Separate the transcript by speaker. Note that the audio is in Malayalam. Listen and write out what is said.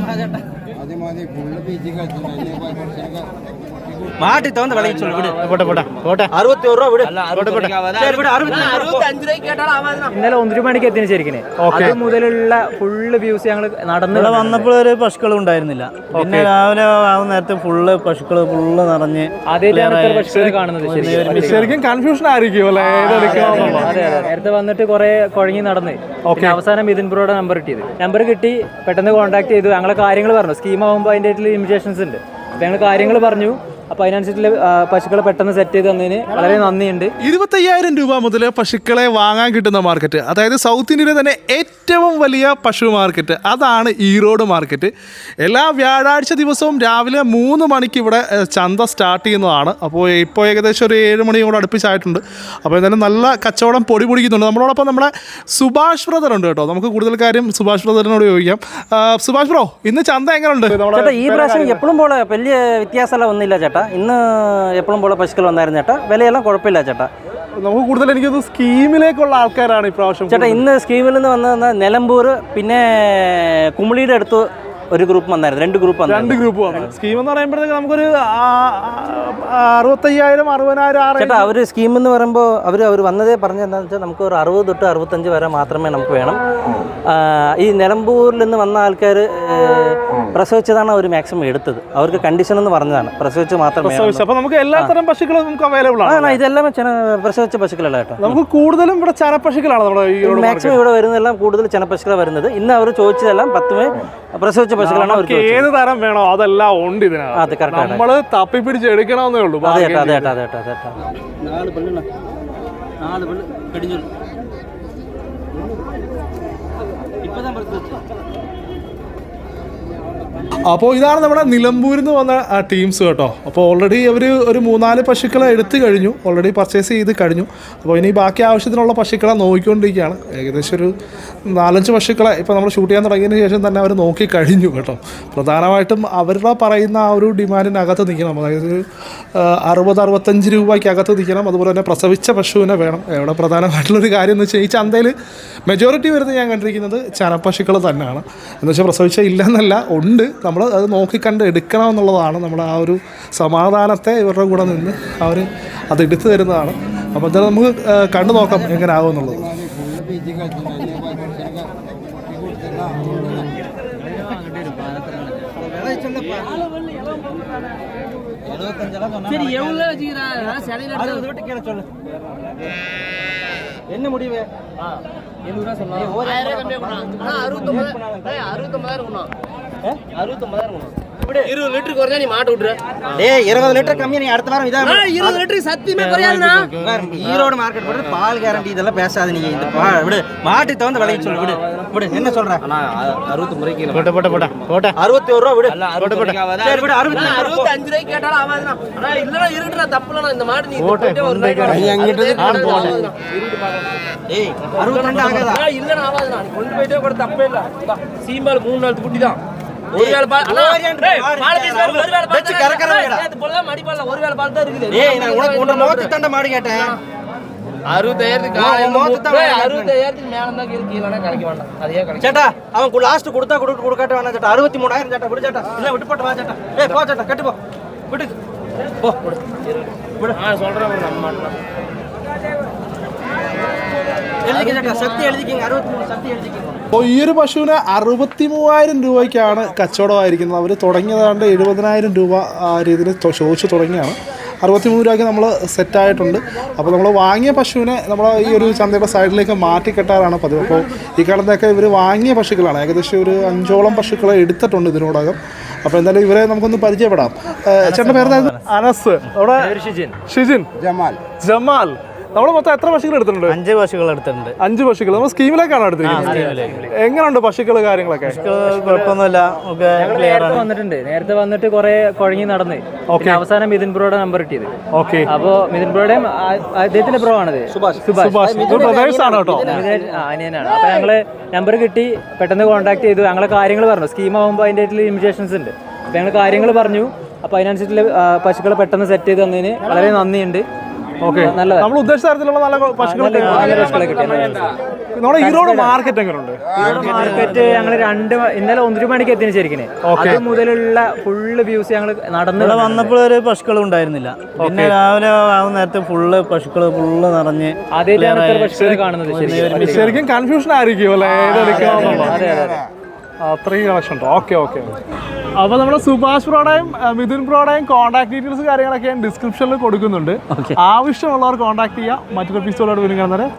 Speaker 1: மாட்டி தகுந்த விலைக்கு சொல்லு விடு. പോട്ടെ 61 രൂപ വിട്.
Speaker 2: ഇന്നലെ 1 മണിക്ക് എത്തിന് ശരിക്കും അത് മുതലുള്ള ഫുള്ള് വ്യൂസ് ഞങ്ങൾ നടന്നു
Speaker 1: വന്നപ്പോൾ ഒരു പശുക്കളും ഉണ്ടായിരുന്നില്ല. പിന്നെ രാവിലെ ആവുന്ന നേരത്തെ ഫുള്ള് പശുക്കള് ഫുള്ള് നിറഞ്ഞ്
Speaker 2: പശുക്കളെ കാണുന്നത്
Speaker 3: ശരിക്കും കൺഫ്യൂഷൻ ആയിരിക്കും അല്ലേ?
Speaker 2: നേരത്തെ വന്നിട്ട് കുറെ കുഴങ്ങി നടന്ന് അവസാനം മിഥുൻ ബ്രോയുടെ നമ്പർ കിട്ടി. പെട്ടെന്ന് കോൺടാക്ട് ചെയ്തു. ഞങ്ങളെ കാര്യങ്ങൾ പറഞ്ഞു. സ്കീം ആകുമ്പോൾ അതിൻ്റെ ലിമിറ്റേഷൻസ് ഉണ്ട്. അപ്പം ഞങ്ങൾ കാര്യങ്ങൾ പറഞ്ഞു. അപ്പോൾ അതിനനുസരിച്ച് പശുക്കളെ പെട്ടെന്ന് സെറ്റ് ചെയ്ത് തന്നതിന് വളരെ നന്ദിയുണ്ട്.
Speaker 3: 25,000 രൂപ മുതൽ പശുക്കളെ വാങ്ങാൻ കിട്ടുന്ന മാർക്കറ്റ്, അതായത് സൗത്ത് ഇന്ത്യയിലെ തന്നെ ഏറ്റവും വലിയ പശു മാർക്കറ്റ്, അതാണ് ഈറോഡ് മാർക്കറ്റ്. എല്ലാ വ്യാഴാഴ്ച ദിവസവും രാവിലെ 3 മണിക്ക് ഇവിടെ ചന്ത സ്റ്റാർട്ട് ചെയ്യുന്നതാണ്. അപ്പോൾ ഇപ്പോൾ ഏകദേശം ഒരു 7 മണിയോട് അടുപ്പിച്ചായിട്ടുണ്ട്. അപ്പോൾ എന്തായാലും നല്ല കച്ചവടം പൊടി പൊടിക്കുന്നുണ്ട്. നമ്മളോടൊപ്പം നമ്മുടെ സുഭാഷ് ബ്രദർ ഉണ്ട് കേട്ടോ. നമുക്ക് കൂടുതൽ കാര്യം സുഭാഷ് ബ്രദറിനോട് ചോദിക്കാം. സുഭാഷ് ബ്രോ, ഇന്ന് ചന്ത എങ്ങനെയുണ്ട്?
Speaker 1: ഈ പ്രാവശ്യം എപ്പോഴും പോലെ വലിയ വ്യത്യാസമെല്ലാം ഒന്നുമില്ല ചേട്ടാ. ഇന്ന് എപ്പോഴും പോലെ പശുക്കൾ വന്നായിരുന്നു ചേട്ടാ. വിലയെല്ലാം കുഴപ്പമില്ല ചേട്ടാ.
Speaker 3: നമുക്ക് കൂടുതൽ എനിക്കത് സ്കീമിലേക്കുള്ള ആൾക്കാരാണ് ഇപ്രാവശ്യം
Speaker 1: ചേട്ടാ. ഇന്ന് സ്കീമിൽ നിന്ന് വന്ന നിലമ്പൂർ പിന്നെ കുമളിയുടെ അടുത്ത് ഒരു ഗ്രൂപ്പ് വന്നായിരുന്നു. 2 ഗ്രൂപ്പ്
Speaker 3: വന്നു. സ്കീം എന്ന് പറയുമ്പോഴത്തേക്ക് നമുക്കൊരു 65,000 60,000
Speaker 1: ചേട്ടാ. അവർ സ്കീം എന്ന് പറയുമ്പോൾ അവർ വന്നതേ പറഞ്ഞ എന്താണെന്ന് വെച്ചാൽ നമുക്ക് ഒരു 60 തൊട്ട് 65 വരെ മാത്രമേ നമുക്ക് വേണം. ഈ നിലമ്പൂരിൽ നിന്ന് വന്ന ആൾക്കാർ പ്രസവിച്ചതാണ് അവർ മാക്സിമം എടുത്തത്. അവർക്ക് കണ്ടീഷൻ എന്ന് പറഞ്ഞതാണ് പ്രസവിച്ച് മാത്രമേ.
Speaker 3: അപ്പോൾ നമുക്ക് എല്ലാത്തരം പശുക്കളും നമുക്ക് അവൈലബിൾ ആണ്.
Speaker 1: ഇതെല്ലാം പ്രസവിച്ച പശുക്കളല്ല കേട്ടോ.
Speaker 3: നമുക്ക് കൂടുതലും ഇവിടെ ചനപ്പശുക്കളാണ് നമ്മുടെ
Speaker 1: മാക്സിമം ഇവിടെ വരുന്നതെല്ലാം കൂടുതൽ ചനപ്പശുക്കളാണ് വരുന്നത്. ഇന്ന് അവർ ചോദിച്ചതെല്ലാം 10 പ്രസവിച്ച പശുക്കളാണ്.
Speaker 3: ഏത് തരം വേണോ അതെല്ലാം ഉണ്ട് ഇതിനകത്ത്. നമ്മള് തപ്പി പിടിച്ച് എടുക്കണമെന്നേ ഉള്ളൂ. അപ്പോൾ ഇതാണ് നമ്മുടെ നിലമ്പൂരിൽ നിന്ന് വന്ന ടീംസ് കേട്ടോ. അപ്പോൾ ഓൾറെഡി അവർ ഒരു 3-4 പശുക്കളെ എടുത്തു കഴിഞ്ഞു. ഓൾറെഡി പർച്ചേസ് ചെയ്ത് കഴിഞ്ഞു. അപ്പോൾ ഇനി ബാക്കി ആവശ്യത്തിനുള്ള പശുക്കളെ നോക്കിക്കൊണ്ടിരിക്കുകയാണ്. ഏകദേശം ഒരു 4-5 പശുക്കളെ ഇപ്പോൾ നമ്മൾ ഷൂട്ട് ചെയ്യാൻ തുടങ്ങിയതിന് ശേഷം തന്നെ അവർ നോക്കി കഴിഞ്ഞു കേട്ടോ. പ്രധാനമായിട്ടും അവരുടെ പറയുന്ന ആ ഒരു ഡിമാൻഡിനകത്ത് നിൽക്കണം. അതായത് 60-65 രൂപയ്ക്കകത്ത് നിൽക്കണം. അതുപോലെ തന്നെ പ്രസവിച്ച പശുവിനെ വേണം. ഇവിടെ പ്രധാനമായിട്ടുള്ളൊരു കാര്യം എന്ന് വെച്ചാൽ ഈ ചന്തയിൽ മെജോറിറ്റി വരുന്നത് ഞാൻ കണ്ടിരിക്കുന്നത് ചനപ്പശുക്കൾ തന്നെയാണ്. എന്ന് വെച്ചാൽ പ്രസവിച്ച ഇല്ലെന്നല്ല, ഉണ്ട്. നമ്മൾ അത് നോക്കിക്കണ്ട് എടുക്കണമെന്നുള്ളതാണ്. നമ്മൾ ആ ഒരു സമാധാനത്തെ ഇവരുടെ കൂടെ നിന്ന് അവർ അത് എടുത്തു തരുന്നതാണ്. അപ്പോൾ എന്തായാലും നമുക്ക് കണ്ടു നോക്കാം എങ്ങനെ ആകുമെന്നുള്ളത്.
Speaker 1: என்ன முடிவு?
Speaker 4: 20 லிட்டர் குறைஞ்சா நீ மாட்ட விட்டுற.
Speaker 1: டேய் 20 லிட்டர் கம்மி. நீ அடுத்த வாரம் இதா
Speaker 4: 20 லிட்டர் சத்தியமே குறையாதுனா.
Speaker 1: ஈரோடு மார்க்கெட் போறது பால் கேரண்டி இதெல்லாம் பேசாத நீ. இந்த விடு மாட்டி தகுந்த விலைக்கு சொல்லு விடு. விடு என்ன சொல்ற?
Speaker 4: அண்ணா 69 கிலோ.
Speaker 1: போட்ட 61 ரூபா விடு.
Speaker 4: சரி விடு. 65 ரூபாய் கேட்டாலும் ஆவாதுனா. அண்ணா இல்லனா இருக்குடா, தப்புலனா. இந்த மாடு நீ போட்டே ஒரு நாள் எங்கிட்ட ஆடு போடு.
Speaker 1: ஏய் 62 ஆகாதா?
Speaker 4: இல்லனா ஆவாதுனா. நீ கொண்டு போய்ட்டே கூட தப்பே இல்ல. சீம்பால் 3 நாள் குட்டி தான். ஒரு வேளை பால் அண்ணா பால் பீஸ் ஒரு வேளை பால் வெச்சு கறக்கறடா. இது போல மடி பால்ல ஒரு வேளை பால் தான் இருக்குது.
Speaker 1: ஏய் நான் உனக்கு உன்ன மோத்து தண்ட மாடு கேட்டேன்.
Speaker 4: 65 காலையில மோத்து தான் 65 மேல தான் கீழனா கறக்க வேண்டாம். அதே கறக்க.
Speaker 1: சேட்டா அவன் லாஸ்ட் கொடுக்காட்ட வேணாம் சேட்டா. 63,000 சேட்டா. விடு சேட்டா. இல்ல விட்டு போட்டு வா சேட்டா. ஏய் போ சேட்டா, கட்டு போ. விடு போ. விடு.
Speaker 4: சொல்றேன் ஒரு நம்ம மாட்டலாம்.
Speaker 1: எழுதிக்க சேட்டா. சக்தி எழுதிக்கங்க. 63 சக்தி எழுதிக்கங்க.
Speaker 3: അപ്പോൾ ഈ ഒരു പശുവിന് 63,000 രൂപയ്ക്കാണ് കച്ചവടമായിരിക്കുന്നത്. അവർ തുടങ്ങിയതാണ്ട് 70,000 രൂപ ആ രീതിയിൽ ചോദിച്ചു തുടങ്ങിയാണ്. 63 രൂപയ്ക്ക് നമ്മൾ സെറ്റായിട്ടുണ്ട്. അപ്പോൾ നമ്മൾ വാങ്ങിയ പശുവിനെ നമ്മൾ ഈ ഒരു ചന്തയുടെ സൈഡിലേക്ക് മാറ്റിക്കെട്ടാറാണ് പതിവ്. അപ്പോൾ ഈ കാലത്തൊക്കെ ഇവർ വാങ്ങിയ പശുക്കളാണ്. ഏകദേശം ഒരു 5ഓളം പശുക്കളെ എടുത്തിട്ടുണ്ട് ഇതിനോടകം. അപ്പോൾ എന്തായാലും ഇവരെ നമുക്കൊന്ന് പരിചയപ്പെടാം. ചേട്ടൻ്റെ പേര് അനസ്, അവിടെ ഷിജിൻ, ജമാൽ. നമ്മൾ മൊത്തം എത്ര പശുക്കൾ എടുത്തിട്ടുണ്ട്?
Speaker 1: 5 പശുക്കൾ എടുത്തിട്ടുണ്ട്.
Speaker 3: 5 പശുക്കൾ നമ്മൾ സ്കീമിലേക്കാണ് എടുത്തിരിക്കുന്നത്. എങ്ങനെയുണ്ട് പശുക്കൾ കാര്യങ്ങളൊക്കെ?
Speaker 1: കുഴപ്പമൊന്നുമില്ല.
Speaker 2: നേരത്തെ വന്നിട്ട് കുറെ കുഴങ്ങി നടന്ന് അവസാനം മിഥുൻ ബ്രോയുടെ നമ്പർ കിട്ടിയത്.
Speaker 3: ഓക്കെ.
Speaker 2: അപ്പോ മിഥുൻ ബ്രോയുടെയും അദ്ദേഹത്തിന്റെ ബ്രോ ആണത്, സുഭാഷ് അനിയനാണ്. അപ്പൊ ഞങ്ങള് നമ്പർ കിട്ടി, പെട്ടെന്ന് കോൺടാക്ട് ചെയ്തു. ഞങ്ങളെ കാര്യങ്ങൾ പറഞ്ഞു. സ്കീം ആകുമ്പോൾ അതിന്റെ ലിമിറ്റേഷൻസ് ഉണ്ട്. അപ്പൊ ഞങ്ങൾ കാര്യങ്ങൾ പറഞ്ഞു. അപ്പൊ അതിനനുസരിച്ചുള്ള പശുക്കളെ പെട്ടെന്ന് സെറ്റ് ചെയ്ത് തന്നതിന് വളരെ നന്ദിയുണ്ട്.
Speaker 3: ഓക്കെ. നമ്മൾ ഉദ്ദേശിച്ച തരത്തിലുള്ള നല്ല പശുക്കളെ
Speaker 2: കിട്ടി.
Speaker 3: നമ്മുടെ ഈറോഡ് മാർക്കറ്റ് എങ്ങനെയുണ്ട്?
Speaker 2: മാർക്കറ്റ് ഞങ്ങൾ ഇന്നലെ 1 മണിക്ക് എത്തിന് ശരിക്കും അത് മുതലുള്ള ഫുള്ള് വ്യൂസ് ഞങ്ങൾ നടന്നു
Speaker 5: വന്നപ്പോൾ ഒരു പശുക്കളും ഉണ്ടായിരുന്നില്ല. പിന്നെ രാവിലെ ആവുന്ന നേരത്തെ ഫുള്ള് പശുക്കള് ഫുള്ള് നിറഞ്ഞ്
Speaker 2: ആദ്യമായിട്ടാണ് ഇത്ര പശുക്കളെ കാണുന്നത്.
Speaker 3: ശരിക്കും കൺഫ്യൂഷൻ ആയിരിക്കും അല്ലേ, അത്രയും കളക്ഷൻ ഉണ്ടോ? Okay okay. അപ്പോൾ നമ്മുടെ സുഭാഷ് ബ്രോയുടെയും മിഥുൻ ബ്രോയുടെയും കോൺടാക്ട് ഡീറ്റെയിൽസ് കാര്യങ്ങളൊക്കെ ഞാൻ ഡിസ്ക്രിപ്ഷനിൽ കൊടുക്കുന്നുണ്ട്. ആവശ്യമുള്ളവർ കോൺടാക്ട് ചെയ്യുക. മറ്റൊരു എപ്പിസോഡോട് വീണ്ടും കാണുന്നത്.